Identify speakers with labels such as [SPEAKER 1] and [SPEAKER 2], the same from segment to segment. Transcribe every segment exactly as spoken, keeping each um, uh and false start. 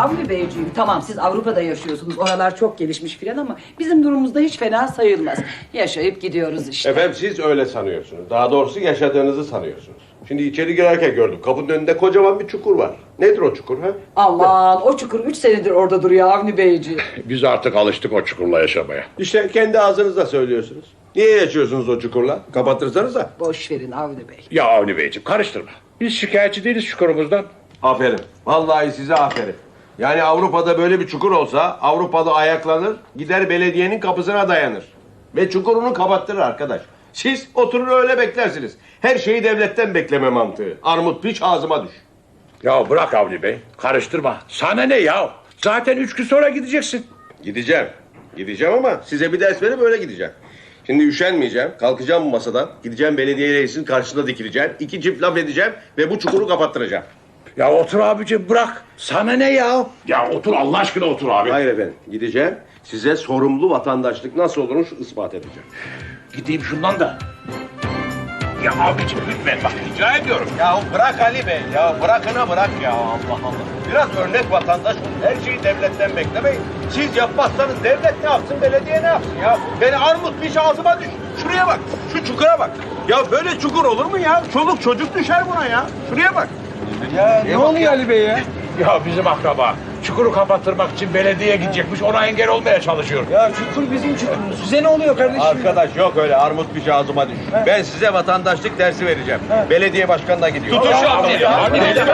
[SPEAKER 1] Avni Beyciğim, tamam siz Avrupa'da yaşıyorsunuz, oralar çok gelişmiş filan ama bizim durumumuzda hiç fena sayılmaz. Yaşayıp gidiyoruz işte.
[SPEAKER 2] Efendim siz öyle sanıyorsunuz. Daha doğrusu yaşadığınızı sanıyorsunuz. Şimdi içeri girerken gördüm. Kapının önünde kocaman bir çukur var. Nedir o çukur ha?
[SPEAKER 1] Aman o çukur üç senedir orada duruyor Avni Beyciğim.
[SPEAKER 3] Biz artık alıştık o çukurla yaşamaya.
[SPEAKER 2] İşte kendi ağzınızla söylüyorsunuz. Niye yaşıyorsunuz o çukurla? Kapatırsanıza.
[SPEAKER 1] Boş verin Avni Bey.
[SPEAKER 3] Ya Avni Beyciğim karıştırma. Biz şikayetçi değiliz çukurumuzdan.
[SPEAKER 2] Aferin. Vallahi size aferin. Yani Avrupa'da böyle bir çukur olsa Avrupalı ayaklanır, gider belediyenin kapısına dayanır. Ve çukurunu kapattırır arkadaş. Siz oturur öyle beklersiniz. Her şeyi devletten bekleme mantığı. Armut piç ağzıma düş.
[SPEAKER 3] Ya bırak Avni Bey. Karıştırma. Sana ne ya? Zaten üç gün sonra gideceksin.
[SPEAKER 2] Gideceğim. Gideceğim ama size bir ders verip öyle gideceğim. Şimdi üşenmeyeceğim. Kalkacağım bu masadan. Gideceğim belediye reisinin karşısında dikileceğim. İki çift laf edeceğim ve bu çukuru kapattıracağım.
[SPEAKER 3] Ya otur abicim bırak. Sana ne ya? Ya otur Allah aşkına otur abi.
[SPEAKER 2] Hayır efendim. Gideceğim. Size sorumlu vatandaşlık nasıl olurmuş ispat edeceğim.
[SPEAKER 3] Gideyim şundan da. Ya abicim lütfen bak rica ediyorum.
[SPEAKER 2] Ya bırak Ali Bey ya. Bırakına bırak ya. Allah Allah. Biraz örnek vatandaş olun. Her şeyi devletten beklemeyin. Siz yapmazsanız devlet ne yapsın, belediye ne yapsın ya? Beni armut piş ağzıma düş. Şuraya bak. Şu çukura bak. Ya böyle çukur olur mu ya? Çoluk çocuk düşer buna ya. Şuraya bak.
[SPEAKER 4] Ya ne oluyor Ali Bey ya?
[SPEAKER 3] Ya bizim akraba çukuru kapattırmak için belediyeye gidecekmiş ona engel olmaya çalışıyor.
[SPEAKER 4] Ya çukur bizim çukurumuz. Size ne oluyor kardeşim?
[SPEAKER 2] Arkadaş yok öyle armut piş ağzıma düş. Ben size vatandaşlık dersi vereceğim. Belediye başkanına gidiyor.
[SPEAKER 3] Tutun şu adamı ya.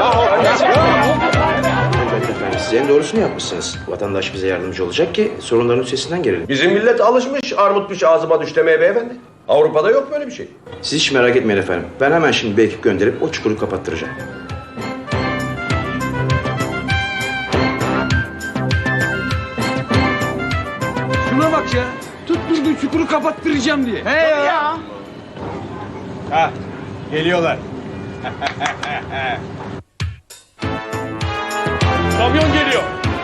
[SPEAKER 5] Evet efendim, siz en doğrusunu yapmışsınız. Vatandaş bize yardımcı olacak ki sorunların üstesinden gelelim.
[SPEAKER 2] Bizim millet alışmış armut piş ağzıma düş demeye beyefendi. Avrupa'da yok böyle bir şey.
[SPEAKER 5] Siz hiç merak etmeyin efendim. Ben hemen şimdi bir ekip gönderip o çukuru kapattıracağım.
[SPEAKER 4] Şuna bak ya. Tutturdu çukuru kapattıracağım diye. He ya.
[SPEAKER 2] Ha, geliyorlar.
[SPEAKER 3] Kamyon geliyor.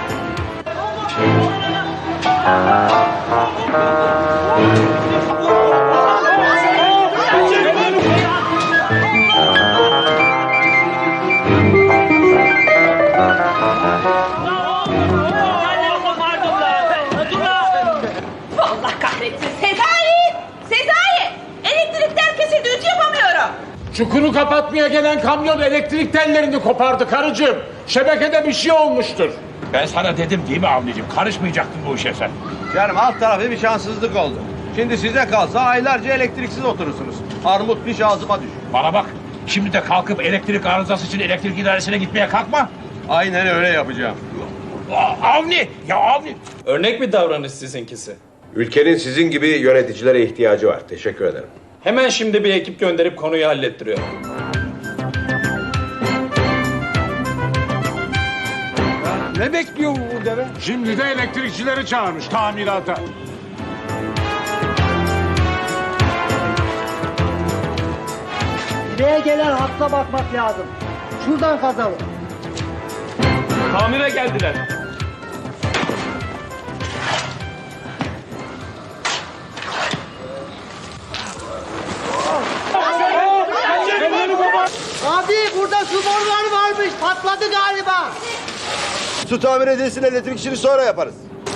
[SPEAKER 6] Allah kahretsin. Sezai! Sezai! Elektrikler kesildi. Ütü yapamıyorum.
[SPEAKER 3] Çukuru kapatmaya gelen kamyon elektrik tellerini kopardı karıcığım. Şebekede bir şey olmuştur. Ben sana dedim değil mi Avni'cim? Karışmayacaktın bu işe sen.
[SPEAKER 2] Canım alt tarafı bir şanssızlık oldu. Şimdi size kalsa aylarca elektriksiz oturursunuz. Armut piş ağzıma düş.
[SPEAKER 3] Bana bak. Şimdi de kalkıp elektrik arızası için elektrik idaresine gitmeye kalkma.
[SPEAKER 2] Aynen öyle yapacağım.
[SPEAKER 3] Aa, Avni! Ya Avni!
[SPEAKER 7] Örnek bir davranış sizinkisi.
[SPEAKER 2] Ülkenin sizin gibi yöneticilere ihtiyacı var. Teşekkür ederim.
[SPEAKER 7] Hemen şimdi bir ekip gönderip konuyu hallettiriyorum.
[SPEAKER 4] Ne bekliyor bu deve?
[SPEAKER 3] Şimdi de elektrikçileri çağırmış tamirata.
[SPEAKER 8] Buraya gelen hatta bakmak lazım. Şuradan kazalım.
[SPEAKER 7] Tamire geldiler.
[SPEAKER 8] Abi burada su boruları varmış. Patladı galiba.
[SPEAKER 2] Su tamir edilsin, elektrik işini sonra yaparız.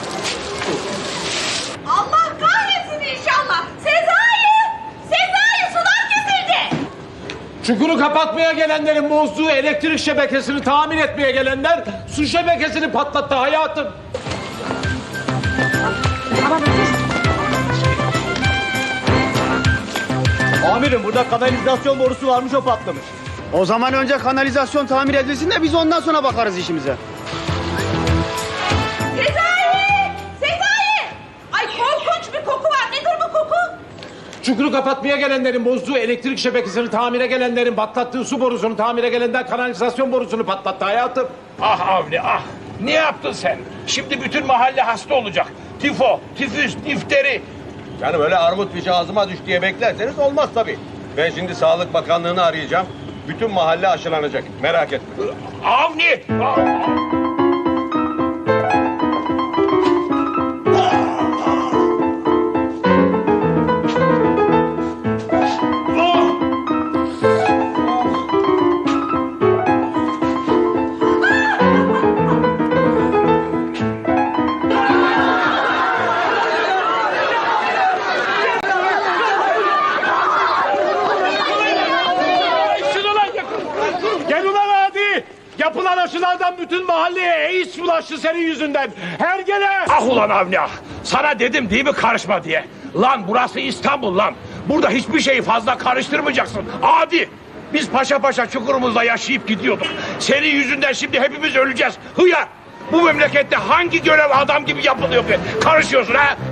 [SPEAKER 6] Allah kahretsin inşallah. Sezai! Sezai sular kesildi.
[SPEAKER 3] Çukuru kapatmaya gelenlerin bozduğu elektrik şebekesini tamir etmeye gelenler su şebekesini patlattı hayatım.
[SPEAKER 8] Amirim burada kanalizasyon borusu varmış o patlamış. O zaman önce kanalizasyon tamir edilsin de biz ondan sonra bakarız işimize.
[SPEAKER 6] Sezai! Sezai! Ay korkunç bir koku var. Nedir bu koku?
[SPEAKER 3] Çukuru kapatmaya gelenlerin bozduğu elektrik şebekesini tamire gelenlerin patlattığı su borusunu tamire gelenler kanalizasyon borusunu patlattı hayatım. Ah Avni ah! Ne yaptın sen? Şimdi bütün mahalle hasta olacak. Tifo, tifüs, difteri.
[SPEAKER 2] Canım öyle armut piş ağzıma düş diye beklerseniz olmaz tabii. Ben şimdi Sağlık Bakanlığı'nı arayacağım. Bütün mahalle aşılanacak. Merak etme.
[SPEAKER 3] Avni! Ah! adam bütün mahalleye AIDS bulaştı senin yüzünden. Hergele!
[SPEAKER 9] Ah ulan Avni ah! Sana dedim değil mi karışma diye. Lan burası İstanbul lan. Burada hiçbir şeyi fazla karıştırmayacaksın. Adi! Biz paşa paşa çukurumuzda yaşayıp gidiyorduk. Senin yüzünden şimdi hepimiz öleceğiz. Hıyar! Bu memlekette hangi görev adam gibi yapılıyor be? Karışıyorsun ha?